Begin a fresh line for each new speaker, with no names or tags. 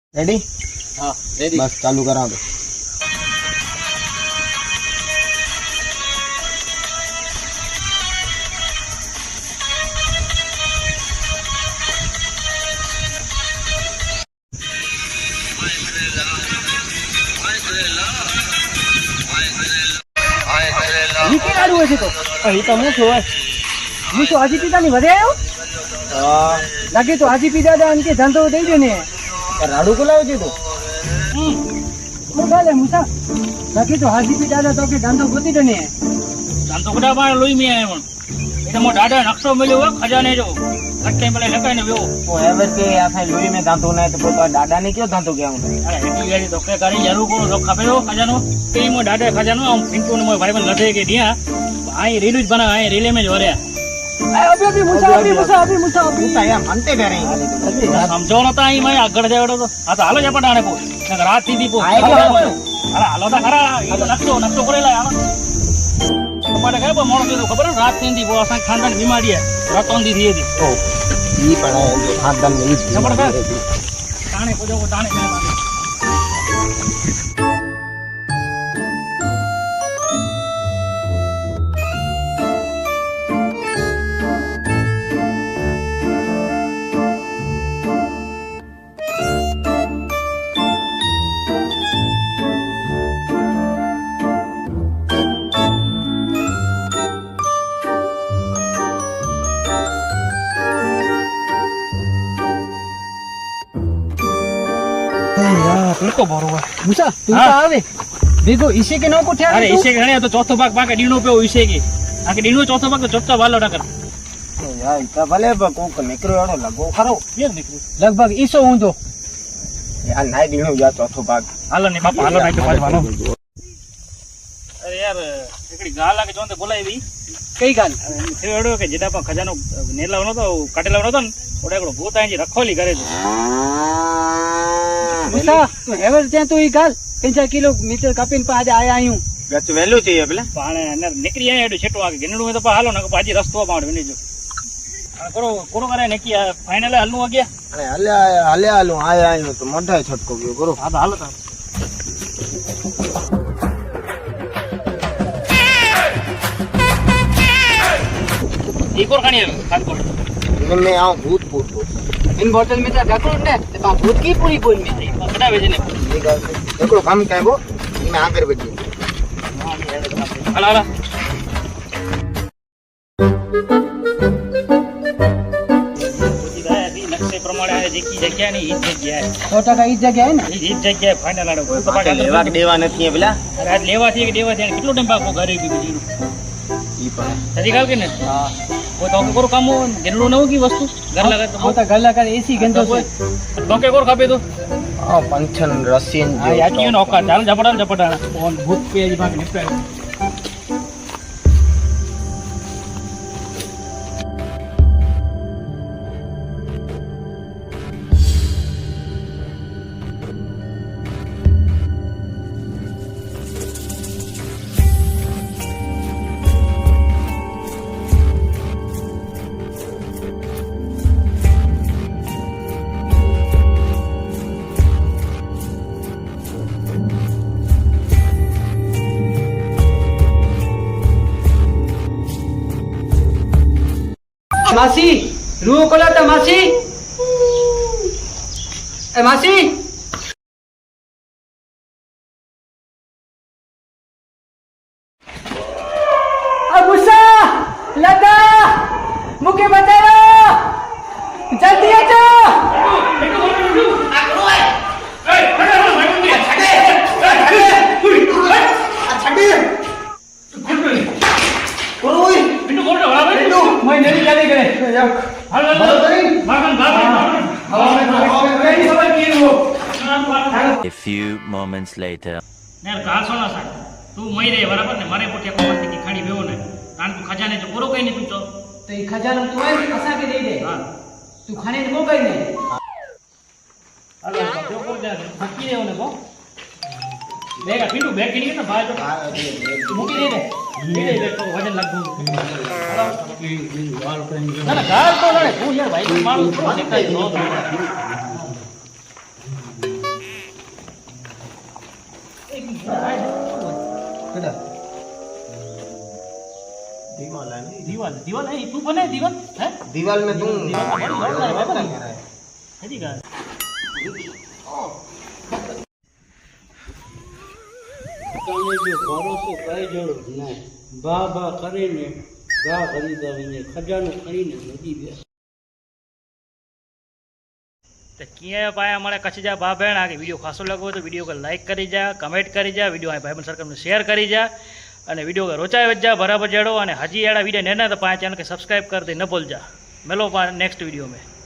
Ready?
हाँ ready.
बस चालू करा दो।
નીકળાડું હશે તો અહીં તો હું છું હું શું હાજી પિતાની વધે આવ્યો લાગે તો હાજી પિતા એમ કે ધંધો દઈ દે ને
રાડુ કોલાવ છે તું?
શું ચાલે મુસા લાગે તો હાજી પિતા તો કે ધંધો ગોતી દે ને
ધંધો કડા માં લોહી મે આયો એટલે મો દાડા નકશો મળ્યો હો ખજાને જો કટ્ટે પેલે લખાઈને વેવો
वो एवर के आफे लोई में दांतो नहीं तो तो दादा ने क्यों दांतो क्या हूं?
અરે હેટી ગાડી તો કે કરી જરૂર કો તો ખપે હો ખજાનો કે મો દાડા ખજાનો આમ પિંટુ ને મો ભાઈ બન લડે કે દિયા આઈ રીલ જ બના આઈ રીલે में જોરે
અભી મુસા
पूछा यार मानते भी नहीं
સમજો નતા આઈ મે આગળ જાવડો તો આ તો હાલો જ પટાણે કો નકર રાત થી દી કો
આય કે
અરે હાલો તો ખરા ઈ તો નકશો કરેલા હાલો તમારે કઈ મોણો કીધું ખબર રાત થી દી કો અસા ખાનદાન બીમારી હે રાતોન દી થી દી
ओ ये पड़ा है जो खानदान में ही
जबरदस्त। ताने को जो ताने में मारे तुमको बरोबर
મુસા તું
હા.
તો આવે ભેગો ઈસે કે નો કોઠ્યા
अरे इसे गणे तो चौथो भाग पाके डीनो पे इसे की आके डीनो चौथो भाग तो चुपचाप वालो ना कर
तो यार इतना भले कोक निकरो एड़ो लगो खरो
ये निकली
લગભગ ઈસો ઊંધો
यार नाई दीनो या चौथो भाग
हालो नहीं पापा हालो ना के पास वालो अरे यार एकड़ी गाला के जोंते बोलाई भी
કઈ ગાલ
थे एड़ो के जेडा पा खजानो नेलावनो तो काटेलावनो तो ओडे एकड़ो भूत आंजी रखोली करे छे
મુસા તું હેવર ત્યાં તો ઈ ગાલ 50 કિલોમીટર કાપીને પાછા આયા આયું
गच वेलू चाहिए भले
पाणे ने निकरी आया एडो छेटो आके गिनडू में तो पा हालो ना के पाजी रस्तो पावड़ विनी जो करो कोरो करे नेकी फाइनल हल्लू आ गया
अरे हले आलू आया आयो तो मोटा छटको गयो करो
हां तो हालो तो एक और खानी है खान को
मैं आऊं भूत भूत भूत
इन बोतल में तो ढकड़ो ने तो भूत की पूरी बोल में
कटा भेजे ने
ये गाल देखो काम क्या है वो मैं आकर बैठी
हला हला नक्शे प्रमाणे आहे जेकी जग्या नहीं ઈ જગ્યા है
100% ઈ જગ્યા હે ને
ઈ જગ્યા ફાઇનલ આડો કોઈ
पाटे लेवा के देवा नहीं है भला
અરે આજ લેવાથી કે દેવાથી કેટલો ટાઈમ પાકો ઘરે બી બીજું
ये पर
સજી કાલ કે ને
હા
કોઈ તો કોર કામ જરૂર ન હોગી વસ્તુ ઘર લગા
હું તો ગલ્લા કરે એસી ગંદો છે
તો કે કોર ખાપે તો
आ पंचन रसियन
હા યાકી નો ઓકા ચાલ ઝપડા કોણ ભૂત પે જી ભાગ નિપટાય
માસી રૂ કોલાતા માસી એ માસી આ મુસા લતા મુકે બતાવો જલ્દી આજો मैं नहीं जाने करे
A few moments later.
ને ગાલ સોના સા તું મઈ રે બરાબર ને મારે પોઠે કોણ થી ખાડી બેવો ને કારણ તું ખજાને જો પૂરો કઈ નહીં તું તો
तो ये खजाना तू है असा के दे दे
હા
तू खाने को कहीं नहीं
હાલો જો કોર જા મૂકી દેવો ને કો બેગા પીટુ બેગ કિની ને ભાઈ તો મૂકી દે દે તો વજન લાગુ ના ના ગાલ તો લડે હું યાર ભાઈ મારું થોડો દેખાય નો એક મિનિટ આ શું હોય?
કદા
દીવાલ દીવાલ એ તું બને દીવાલ હે
दीवाल में तुम
હજી કા
તમે જો ભરોસો કઈ જણો નહીં બા બા કરીને ગા ખરીદાવીને ખજાનો કરીને નદી બેસ
તો ક્યાંય પાયા મળે કચ્છ જા બા બહેન આ વિડીયો ખાસો લાગો તો વિડીયો को लाइक કરી જા કમેન્ટ કરી જા વિડીયો આ ભાઈબંધ સર્કલને શેર કરી જા અને વિડીયો को રોચાય વજા બરાબર જડો અને હજી એડા વિડીયો નેના તો પાંચ ચેનલ કે સબસ્ક્રાઇબ कर दे न भूल जा मिलो नेक्स्ट वीडियो में।